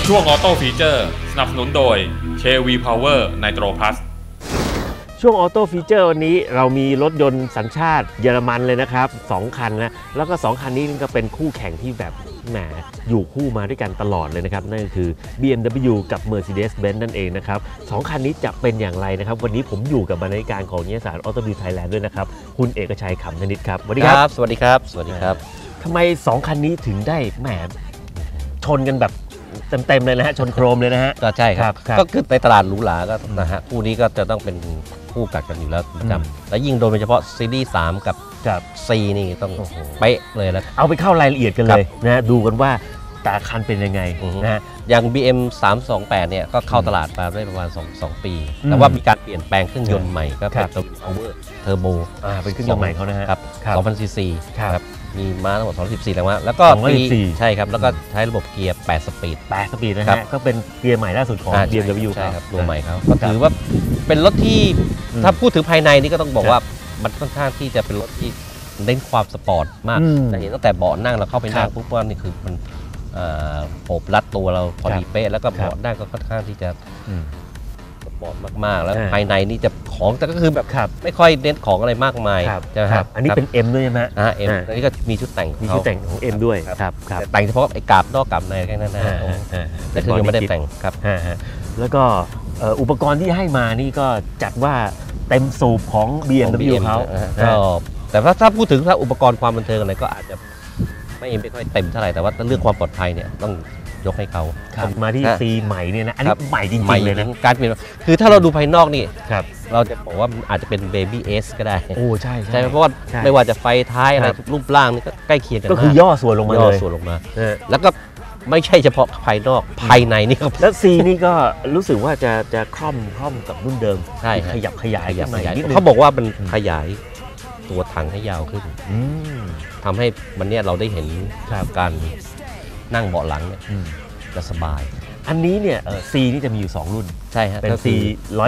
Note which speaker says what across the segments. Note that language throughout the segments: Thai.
Speaker 1: ช่วงออโต้ฟีเจอร์สนับสนุนโดย KV Power Nitro Plus
Speaker 2: ช่วงออโต้ฟีเจอร์วันนี้เรามีรถยนต์สัญชาติเยอรมันเลยนะครับ2คันนะแล้วก็2คันนี้ก็เป็นคู่แข่งที่แบบแหมอยู่คู่มาด้วยกันตลอดเลยนะครับนั่นก็คือ BMW กับ Mercedes-Benz นั่นเองนะครับ2คันนี้จะเป็นอย่างไรนะครับวันนี้ผมอยู่กับบรรณาธิการของนิตยสาร Auto View Thailand ด้วยนะครับคุณเอกชัยขำธนิตครับสวัสดีครับ
Speaker 3: สวัสดีครับสวัสดีครับ
Speaker 2: ทำไม2คันนี้ถึงได้แหมชนกันแบบเต็มเลยนะฮะชนโครมเลยนะฮะ
Speaker 3: ก็ใช่ครับก็คือในตลาดหรูหราก็นะฮะคู่นี้ก็จะต้องเป็นคู่กัดกันอยู่แล้วประจำและยิ่งโดยเฉพาะซีรีส์3กับC นี่ต้องเป๊ะเลยแล้ว
Speaker 2: เอาไปเข้ารายละเอียดกันเลยนะดูกันว่าแต่คันเป็นยังไงนะฮะ
Speaker 3: อย่าง BM 328เนี่ยก็เข้าตลาดมาได้ประมาณ2 ปีแต่ว่ามีการเปลี่ยนแปลงเครื่องยนต์ใหม่ก็เป็น Power Turbo
Speaker 2: เป็นเครื่องยนต์ใหม่เขานะฮะ
Speaker 3: ครับ 2,000 ซีซีครับมีม้าทั้งหมด214แรงม้าแล้วก็ใช่ครับแล้วก็ใช้ระบบเกียร์8 สปีด
Speaker 2: นะฮะก็เป็นเกียร์ใหม่ล่าสุดของ BMW
Speaker 3: ใช่ครับตัวใหม่เขาก็ถือว่าเป็นรถที่ถ้าพูดถึงภายในนี่ก็ต้องบอกว่ามันค่อนข้างที่จะเป็นรถที่เน้นความสปอร์ตมากจะเห็นตั้งแต่เบาะนั่งเราเข้าไปนั่งปุ๊บว่านี่คือมันโอบรัดตัวเราพอดีเป๊ะแล้วก็เบาะนั่งก็ค่อนข้างที่จะสปอร์ตมากๆแล้วภายในนี่จะของแต่ก็คือแบบไม่ค่อยเน้นของอะไรมากมาย
Speaker 2: ครับอันนี้เป็น M ด้วยใช่ไหม
Speaker 3: M อันนี้ก็มีชุดแต่ง
Speaker 2: ของ M ด้วยครับ
Speaker 3: แต่งเฉพาะไอ้กาบนอกกาบในแค่นั้นนะแต่คือยังไม่ได้แต่งครับ
Speaker 2: แล้วก็อุปกรณ์ที่ให้มานี่ก็จัดว่าเต็มสูบของ BMW เขา
Speaker 3: แต่ถ้าพูดถึงถ้าอุปกรณ์ความบันเทิงอะไรก็อาจจะไม่ค่อยเต็มเท่าไหร่แต่ว่าเรื่องความปลอดภัยเนี่ยต้องยกให้เขา
Speaker 2: มาที่ C ใหม่เนี่ยนะอันนี้ใหม่จริงๆเลยนะ
Speaker 3: การเปลี่ยนคือถ้าเราดูภายนอกนี่เราจะบอกว่าอาจจะเป็น Baby S ก็ได้
Speaker 2: โอ้ใช่
Speaker 3: เพราะว่าไม่ว่าจะไฟท้ายอะไรรูปร่างนี่ก็ใกล้เคียงกัน
Speaker 2: ก็คือย่อส่วนลงมาเลย
Speaker 3: แล้วก็ไม่ใช่เฉพาะภายนอกภายในนี่ก็
Speaker 2: แล้ว C นี่ก็รู้สึกว่าจะคล่อมกับรุ่นเดิม
Speaker 3: ใช่
Speaker 2: ขยับขยายนิดนึง
Speaker 3: เขาบอกว่ามันขยายตัวถังให้ยาวขึ้นทำให้วันนี้เราได้เห็นการนั่งเบาะหลังเนี่ยจะสบาย
Speaker 2: อันนี้เนี่ยC นี่จะมีอยู่2รุ่น
Speaker 3: ใช่ฮะ
Speaker 2: เป็น C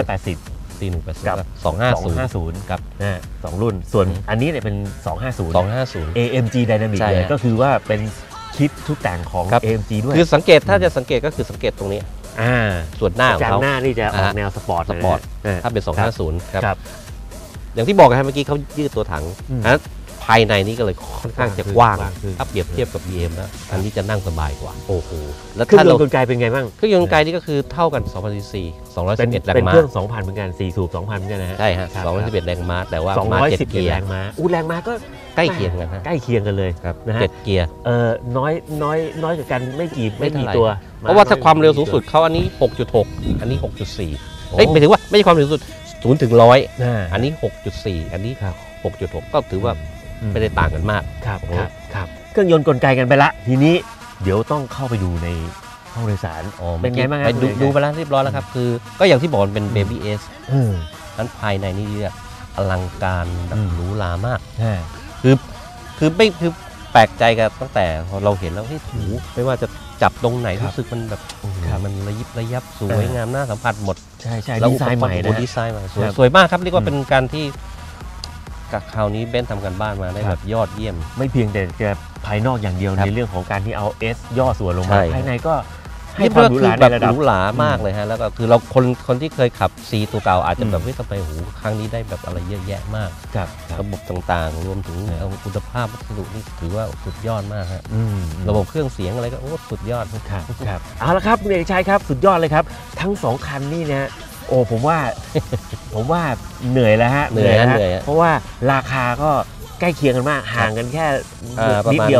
Speaker 2: 180
Speaker 3: C180
Speaker 2: กับ250
Speaker 3: ครับ
Speaker 2: 2รุ่นส่วนอันนี้เนี่ยเป็น250 AMG Dynamic เลยก็คือว่าเป็นคิดทุกแต่งของ AMG ด้วย
Speaker 3: คือสังเกตถ้าจะสังเกตก็คือสังเกตตรงนี้ส่วนหน้าของเขา
Speaker 2: หน้านี่จะออกแนวสปอร์ต
Speaker 3: ถ้าเป็น250ครับอย่างที่บอกกันเมื่อกี้เขายืดตัวถังภายในนี้ก็เลยค่อนข้างจะกว้างถ้าเปรียบเทียบกับ BM แล้วอันนี้จะนั่งสบายกว่า
Speaker 2: โอ้โหแล้วเครื่องยนต์กลไกเป็นไงบ้าง
Speaker 3: เครื่องยนต์กลไกนี่ก็คือเท่ากัน2,000 ซี211แรงม้า
Speaker 2: เป็นเครื่อง 2,000 เหมือนกัน4 สูบ 2,000 เหมือนกันนะฮะ
Speaker 3: ใช่ฮะ211แรงม้าแต่ว่ามา7 เกียร์
Speaker 2: แรงม้าแรงม้าก็
Speaker 3: ใกล้เคียงกัน
Speaker 2: ใกล้เคียงกันเลย
Speaker 3: นะฮะ7 เกียร์
Speaker 2: น้อยกว่ากันไม่กี่ตัว
Speaker 3: เพราะว่าถ้าความเร็วสูงสุดเขาอันนี้ 6.6 อันนี้ 6.4หมายถึงว่าไม่ใช่ความเร็วสูงสุด0 ถึง 100อันนี้ 6.4 อันนี้ 6.6 ก็ถือว่าไม่ได้ต่างกันมาก
Speaker 2: ครับเครื่องยนต์กลไกกันไปละทีนี้เดี๋ยวต้องเข้าไปดูในห้องโดยสารเป็นไงบ้างครับ
Speaker 3: ดูไปแล้วเรียบร้อยแล้วครับคือก็อย่างที่บอกเป็น Baby S นั้นภายในนี่อลังการหรูหรามากคือแปลกใจกันตั้งแต่เราเห็นแล้วที่ถูไม่ว่าจะจับตรงไหนรู้สึกมันแบบมันระยิบระยับสวยงามน่าสัมผัสหมด
Speaker 2: ใช่ดีไซน์ใหม่นะ
Speaker 3: ดีไซน์ใหม่สวยมากครับเรียกว่าเป็นการที่กับคราวนี้เบนซ์ทำกันบ้านมาได้แบบยอดเยี่ยม
Speaker 2: ไม่เพียงแต่จะภายนอกอย่างเดียวในเรื่องของการที่เอา S ย่อส่วนลงมาภายในก็ให้ความหรูหราในระดับ
Speaker 3: หรูหรามากเลยฮะแล้วก็คือเราคนที่เคยขับ C ตัวเก่าอาจจะแบบทำไมครั้งนี้ได้แบบอะไรเยอะแยะมากระบบต่างๆรวมถึงคุณภาพวัสดุนี่ถือว่าสุดยอดมากฮะระบบเครื่องเสียงอะไรก็สุดยอด
Speaker 2: ครับเอาละครับคุณเอกชัยครับสุดยอดเลยครับทั้ง2คันนี่นะโอ้ผมว่าเหนื่อยแล้วฮะ
Speaker 3: เหนื่อย
Speaker 2: เพราะว่าราคาก็ใกล้เคียงกันมากห่างกันแค่นิดเดียว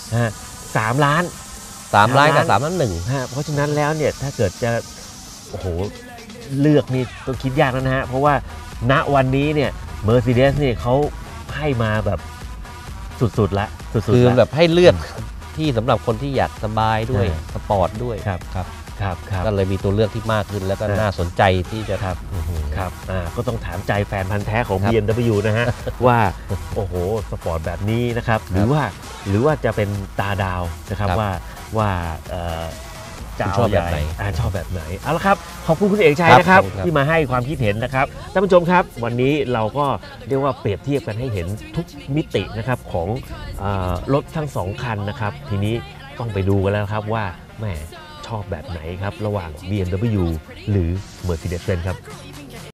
Speaker 2: 3 ล้าน
Speaker 3: กับ3 ล้าน 1
Speaker 2: เพราะฉะนั้นแล้วเนี่ยถ้าเกิดจะโอ้โหเลือกนี่ต้องคิดยากแล้วนะฮะเพราะว่าณวันนี้เนี่ย Mercedes นี่เขาให้มาแบบสุดๆละ
Speaker 3: คือแบบให้เลือกที่สำหรับคนที่อยากสบายด้วยสปอร์ตด้วย
Speaker 2: ครับ
Speaker 3: ก็เลยมีตัวเลือกที่มากขึ้นแล้วก็น่าสนใจที่จะ
Speaker 2: ครับก็ต้องถามใจแฟนพันธ์แท้ของ BMW นะฮะว่าโอ้โหสปอร์ตแบบนี้นะครับหรือว่าจะเป็นตาดาวนะครับว่าจะชอบแบบไหนเอาละครับขอบคุณคุณเอกชัยนะครับที่มาให้ความคิดเห็นนะครับท่านผู้ชมครับวันนี้เราก็เรียกว่าเปรียบเทียบกันให้เห็นทุกมิตินะครับของรถทั้ง2 คันนะครับทีนี้ต้องไปดูกันแล้วครับว่าแหมชชอบแบบไหนครับระหว่าง BMW หรือ Mercedes-Benz ครับ